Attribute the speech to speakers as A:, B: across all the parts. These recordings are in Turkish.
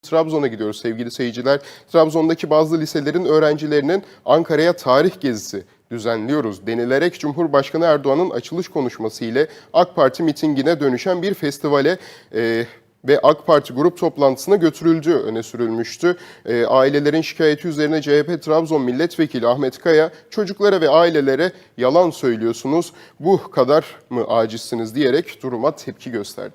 A: Trabzon'a gidiyoruz sevgili seyirciler. Trabzon'daki bazı liselerin öğrencilerinin Ankara'ya tarih gezisi düzenliyoruz denilerek Cumhurbaşkanı Erdoğan'ın açılış konuşması ile AK Parti mitingine dönüşen bir festivale ve AK Parti grup toplantısına götürüldüğü öne sürülmüştü. Ailelerin şikayeti üzerine CHP Trabzon Milletvekili Ahmet Kaya, çocuklara ve ailelere yalan söylüyorsunuz, bu kadar mı acizsiniz diyerek duruma tepki gösterdi.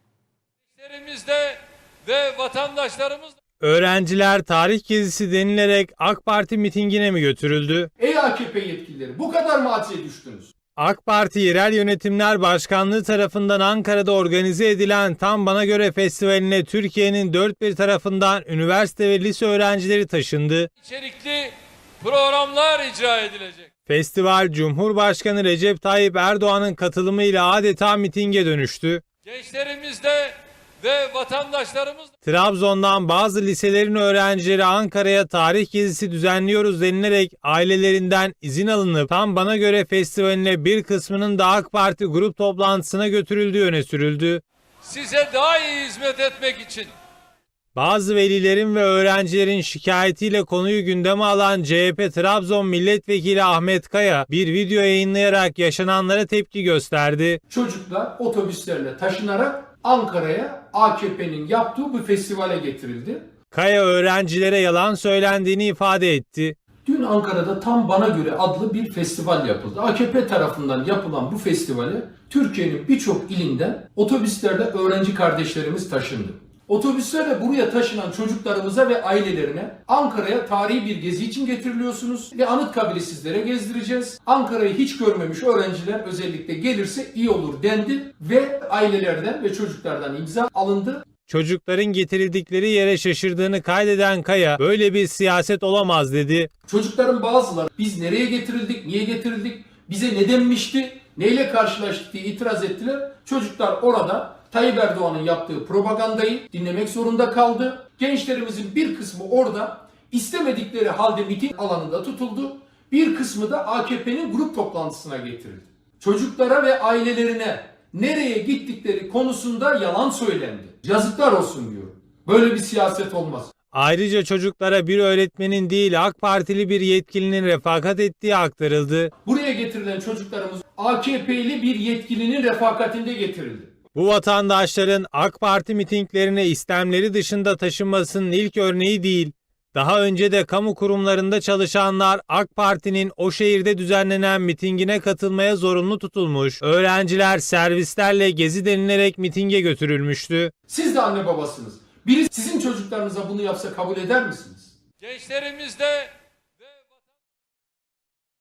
B: Ve vatandaşlarımız...
C: Öğrenciler tarih gezisi denilerek AK Parti mitingine mi götürüldü?
D: Ey AKP yetkilileri, bu kadar mı acize düştünüz?
C: AK Parti Yerel Yönetimler Başkanlığı tarafından Ankara'da organize edilen Tam Bana Göre Festivali'ne Türkiye'nin dört bir tarafından üniversite ve lise öğrencileri taşındı.
B: İçerikli programlar icra edilecek.
C: Festival Cumhurbaşkanı Recep Tayyip Erdoğan'ın katılımıyla adeta mitinge dönüştü.
B: Gençlerimizde ve vatandaşlarımız...
C: Trabzon'dan bazı liselerin öğrencileri Ankara'ya tarih gezisi düzenliyoruz denilerek ailelerinden izin alınıp Tam Bana Göre Festivali'ne bir kısmının da AK Parti grup toplantısına götürüldüğü öne sürüldü.
B: Size daha iyi hizmet etmek için...
C: Bazı velilerin ve öğrencilerin şikayetiyle konuyu gündeme alan CHP Trabzon Milletvekili Ahmet Kaya bir video yayınlayarak yaşananlara tepki gösterdi.
D: Çocuklar otobüslerle taşınarak Ankara'ya AKP'nin yaptığı bu festivale getirildi.
C: Kaya öğrencilere yalan söylendiğini ifade etti.
D: Dün Ankara'da Tam Bana Göre adlı bir festival yapıldı. AKP tarafından yapılan bu festivale Türkiye'nin birçok ilinden otobüslerle öğrenci kardeşlerimiz taşındı. Otobüslerle buraya taşınan çocuklarımıza ve ailelerine Ankara'ya tarihi bir gezi için getiriliyorsunuz ve Anıtkabir'i sizlere gezdireceğiz. Ankara'yı hiç görmemiş öğrenciler özellikle gelirse iyi olur dendi ve ailelerden ve çocuklardan imza alındı.
C: Çocukların getirildikleri yere şaşırdığını kaydeden Kaya, böyle bir siyaset olamaz dedi.
D: Çocukların bazıları biz nereye getirildik, niye getirildik, bize ne denmişti, neyle karşılaştık diye itiraz ettiler. Çocuklar orada Tayyip Erdoğan'ın yaptığı propagandayı dinlemek zorunda kaldı. Gençlerimizin bir kısmı orada istemedikleri halde miting alanında tutuldu. Bir kısmı da AKP'nin grup toplantısına getirildi. Çocuklara ve ailelerine nereye gittikleri konusunda yalan söylendi. Yazıklar olsun diyorum. Böyle bir siyaset olmaz.
C: Ayrıca çocuklara bir öğretmenin değil AK Partili bir yetkilinin refakat ettiği aktarıldı.
D: Buraya getirilen çocuklarımız AKP'li bir yetkilinin refakatinde getirildi.
C: Bu vatandaşların AK Parti mitinglerine istemleri dışında taşınmasının ilk örneği değil. Daha önce de kamu kurumlarında çalışanlar AK Parti'nin o şehirde düzenlenen mitingine katılmaya zorunlu tutulmuş. Öğrenciler servislerle gezi denilerek mitinge götürülmüştü.
D: Siz de anne babasınız. Biri sizin çocuklarınıza bunu yapsa kabul eder misiniz?
B: Gençlerimizde